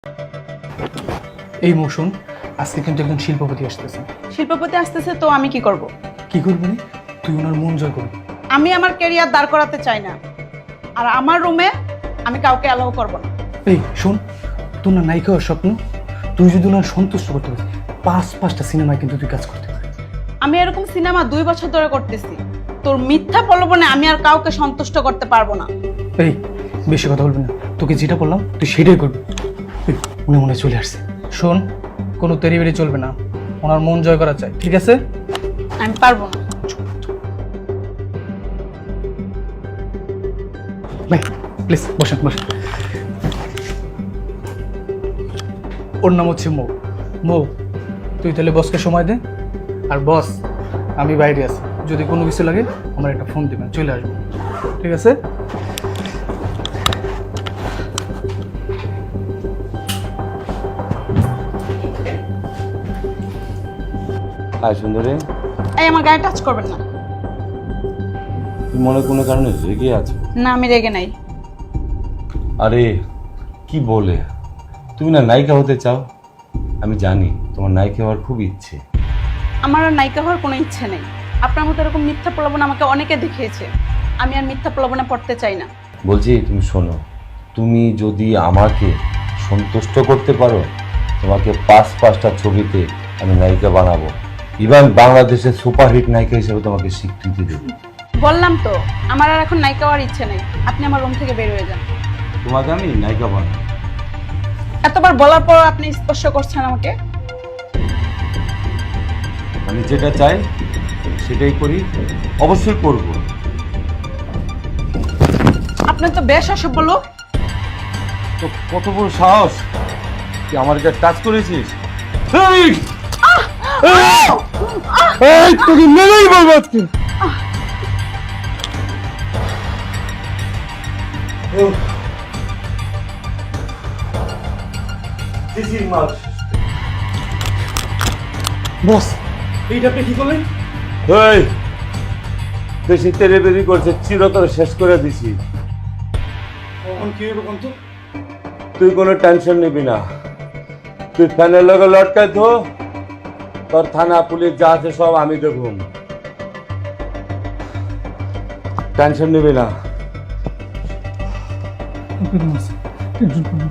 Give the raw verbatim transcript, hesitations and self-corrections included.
এই মৌসুম আজকে কিন্তু একজন শিল্পপতি আসতেছে। শিল্পপতি আসতেছে তো আমি কি করব? কি করবি? তুই ওনার মন জয় করবি। আমি আমার ক্যারিয়ার দাঁড় করাতে চাই না, আর আমার রুমে আমি কাউকে অ্যালাউ করব না। এই শোন, তোর না নায়িকা হওয়ার স্বপ্ন, তুই যদি ওনার সন্তুষ্ট করতে পারিস পাঁচ পাঁচটা সিনেমায় কিন্তু তুই কাজ করতে পারিস। আমি এরকম সিনেমা দুই বছর ধরে করতেছি, তোর মিথ্যা প্রলোভনে আমি আর কাউকে সন্তুষ্ট করতে পারবো না। এই বেশি কথা বলবি না, তোকে যেটা বললাম তুই সেটাই করবি। এই, উনি মনে হয় চলে আসছে। শোন, কোনো তেরি বেরি চলবে না, ওনার মন জয় করা চাই, ঠিক আছে? আমি পারবো না। ভাই প্লিজ বসেন বসেন। ওর নাম হচ্ছে মৌ। মৌ, তুই তাহলে বসকে সময় দে। আর বস, আমি বাইরে আছি, যদি কোনো কিছু লাগে আমার একটা ফোন দিবেন, চলে আসবো, ঠিক আছে? হাই সুন্দরী, এই আমার গায়ে টাচ করবেন না। তুমি মনে কোনো কারণে রেগে আছো? না, আমি রেগে নাই। আরে কি বলে, তুমি না নায়িকা হতে চাও? আমি জানি তোমার নায়িকা হওয়ার খুব ইচ্ছে। আমার আর নায়িকা হওয়ার কোনো ইচ্ছে নেই। আপনার মতো এরকম মিথ্যা প্রলোভন আমাকে অনেকে দেখিয়েছে, আমি আর মিথ্যা প্রলোভনে পড়তে চাই না। বলছি তুমি শোনো, তুমি যদি আমাকে সন্তুষ্ট করতে পারো, তোমাকে পাঁচ পাঁচটা ছবিতে আমি নায়িকা বানাবো, ইভেন বাংলাদেশের সুপারহিট নায়িকা হিসেবে তোমাকে স্বীকৃতি দেবো। বললাম তো আমার আর এখন নায়িকা হওয়ার ইচ্ছে নেই। আপনি আমার রুম থেকে বের হয়ে যান। তোমাকে আমি নায়িকা বানাবো। এতবার বলার পর আপনি স্পর্শ করছেন আমাকে। আমি যেটা চাই সেটাই করি, অবশ্যই করব। আপনি তো বেশ অসভ্য লোক। তো কত বড় সাহস, তুই আমার কাছে টাচ করেছিস? এই! এই, তোকে মেরেই বলবো আজকে। বস, এইটা আপনি কি করলেন? এই, বেশি তেরেবেরি করছে, চিরতরে শেষ করে দিছি। কখন কি হবে কোন তো? তুই কোনো টেনশন নিবি না, তুই ফ্যানের লগে লটকাই ধো, তোর থানা পুলিশ যা আছে সব আমি দেখব, টেনশন নিবি না। টেনশন করবেন না।